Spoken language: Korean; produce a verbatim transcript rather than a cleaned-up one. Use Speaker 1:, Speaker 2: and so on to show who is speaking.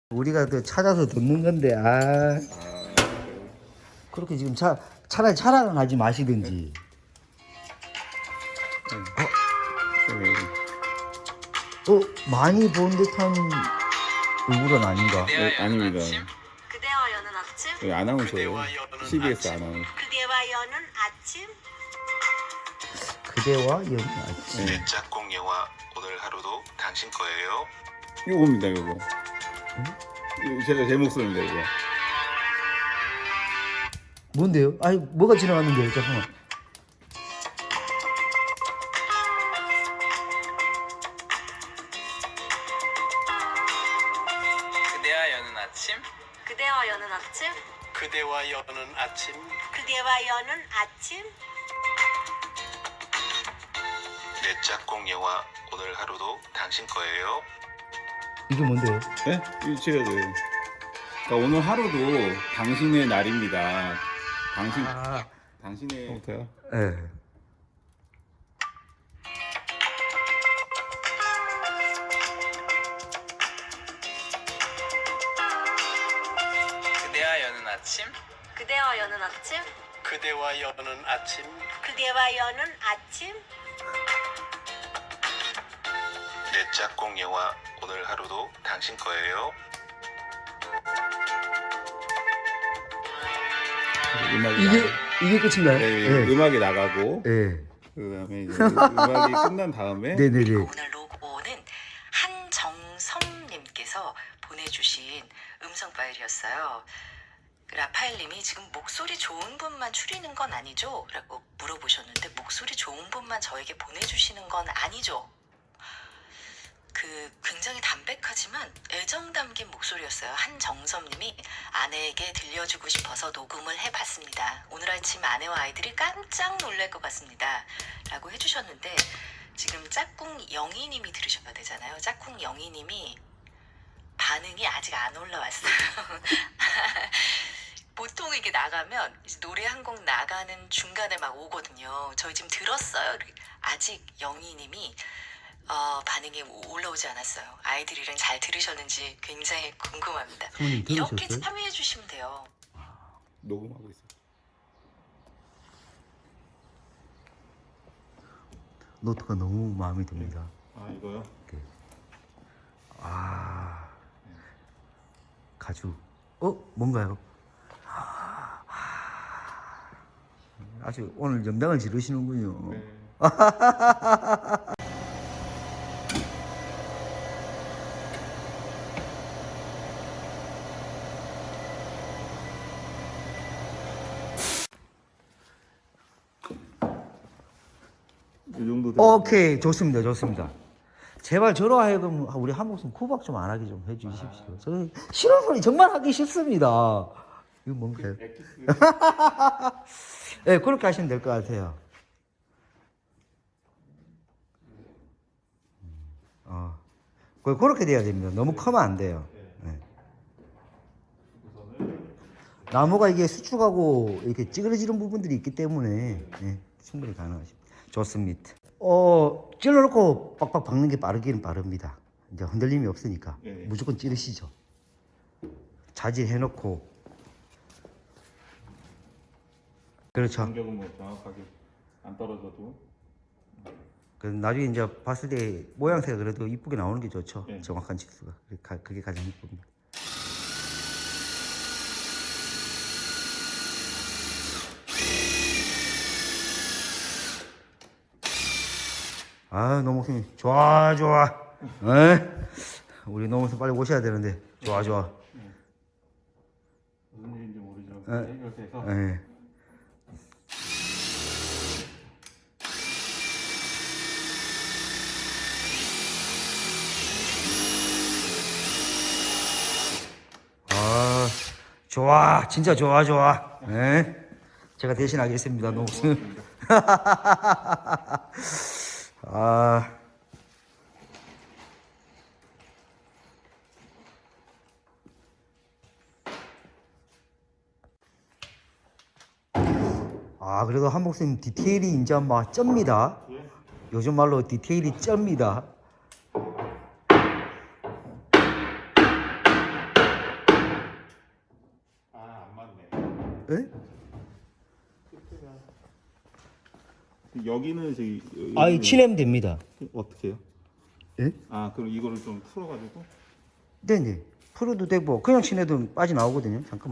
Speaker 1: 우리가 또 찾아서 듣는 건데 아 그렇게 지금 차 차라리 차량을 하지 마시든지. 어? 어 많이 본 듯한 얼굴은 아닌가?
Speaker 2: 네, 아닙니다.
Speaker 3: 그대와 여는 아침.
Speaker 2: 여기 아나운서예요. 씨비에스 아나운서.
Speaker 3: 그대와 여는 아침.
Speaker 1: 그대와 여는 아침.
Speaker 2: 네.
Speaker 4: 짝꿍 영화 오늘 하루도 당신 거예요.
Speaker 2: 이거입니다, 이거. 응? 제가 제 목소리입니다, 이거.
Speaker 1: 뭔데요? 아니 뭐가 지나갔는데요? 잠깐만.
Speaker 5: 그대와 여는 아침.
Speaker 3: 그대와 여는 아침.
Speaker 4: 그대와 여는 아침.
Speaker 3: 그대와 여는 아침.
Speaker 4: 내 짝꿍 영화 오늘 하루도 당신 거예요.
Speaker 1: 이게 뭔데요?
Speaker 2: 네? 이거 제가 그 그러니까 오늘 하루도 당신의 날입니다. 당신,
Speaker 1: 아,
Speaker 2: 당신의. 어때요?
Speaker 1: 예.
Speaker 5: 그대와 여는 아침.
Speaker 3: 그대와 여는 아침.
Speaker 4: 그대와 여는 아침.
Speaker 3: 그대와 여는 아침.
Speaker 4: 내 짝꿍 영화 오늘 하루도 당신 거예요.
Speaker 2: 음악이
Speaker 1: 이게
Speaker 2: 나가-
Speaker 1: 이게 끝인가요?
Speaker 2: 네,
Speaker 1: 예.
Speaker 2: 음악이 나가고
Speaker 1: 예.
Speaker 2: 그다음에 이제 음악이 끝난 다음에
Speaker 1: 네네네.
Speaker 3: 오늘 로고는 한정섭님께서 보내주신 음성 파일이었어요. 라파엘님이 지금 목소리 좋은 분만 추리는 건 아니죠? 라고 물어보셨는데 목소리 좋은 분만 저에게 보내주시는 건 아니죠? 그 굉장히 담백하지만 애정 담긴 목소리였어요. 한정섭님이 아내에게 들려주고 싶어서 녹음을 해봤습니다. 오늘 아침 아내와 아이들이 깜짝 놀랄 것 같습니다. 라고 해주셨는데 지금 짝꿍 영희님이 들으셔야 되잖아요. 짝꿍 영희님이 반응이 아직 안 올라왔어요. 보통 이게 나가면 이제 노래 한 곡 나가는 중간에 막 오거든요. 저희 지금 들었어요. 아직 영희님이 어, 반응이 올라오지 않았어요. 아이들이랑 잘 들으셨는지 굉장히 궁금합니다.
Speaker 1: 사모님
Speaker 3: 이렇게
Speaker 1: 들으셨어요?
Speaker 3: 참여해 주시면 돼요.
Speaker 2: 녹음하고 있어요.
Speaker 1: 노트가 너무 마음에 듭니다.
Speaker 2: 아 이거요?
Speaker 1: 아 가죽. 어 뭔가요? 아주 오늘 염당을 지르시는군요.
Speaker 2: 네. 이 정도 되면
Speaker 1: 오케이 좋습니다 좋습니다. 제발 저로 하여금 우리 한 목숨 구박 좀 안 하게 좀 해주십시오. 저는 싫은 소리 정말 하기 싫습니다. 이거 뭔가요?
Speaker 2: 엑기스.
Speaker 1: 네 그렇게 하시면 될 것 같아요. 어, 그- 그렇게 돼야 됩니다. 너무 크면 안 돼요. 네. 나무가 이게 수축하고 이렇게 찌그러지는 부분들이 있기 때문에 네, 충분히 가능하십니다. 좋습니다. 어, 찔러놓고 빡빡 박는 게 빠르기는 빠릅니다. 이제 흔들림이 없으니까
Speaker 2: 네.
Speaker 1: 무조건 찌르시죠. 자질해놓고 그렇죠.
Speaker 2: 간격은 뭐 정확하게 안 떨어져도.
Speaker 1: 그 나중에 이제 봤을 때 모양새가 그래도 이쁘게 나오는 게 좋죠.
Speaker 2: 네.
Speaker 1: 정확한 치수가 그게 가- 그게 가장 이쁩니다. 아 노무님 좋아 좋아. 에? 우리 노무님 빨리 오셔야 되는데 좋아 좋아.
Speaker 2: 무슨 일인지 모르죠.
Speaker 1: 네.
Speaker 2: 해결돼서
Speaker 1: 에. 아 좋아 진짜 좋아 좋아. 에? 제가 대신하겠습니다 노무님. 아. 아, 그래도 한복쌤 디테일이 이제 막 쩝니다. 요즘 말로 디테일이 쩝니다. 예?
Speaker 2: 여기는 저기
Speaker 1: 아이 칠하면 됩니다.
Speaker 2: 어떻게 해요?
Speaker 1: 예?
Speaker 2: 아 그럼 이거를 좀 풀어가지고
Speaker 1: 네네. 풀어도 되고 그냥 칠해도 빠져나오거든요. 잠깐만.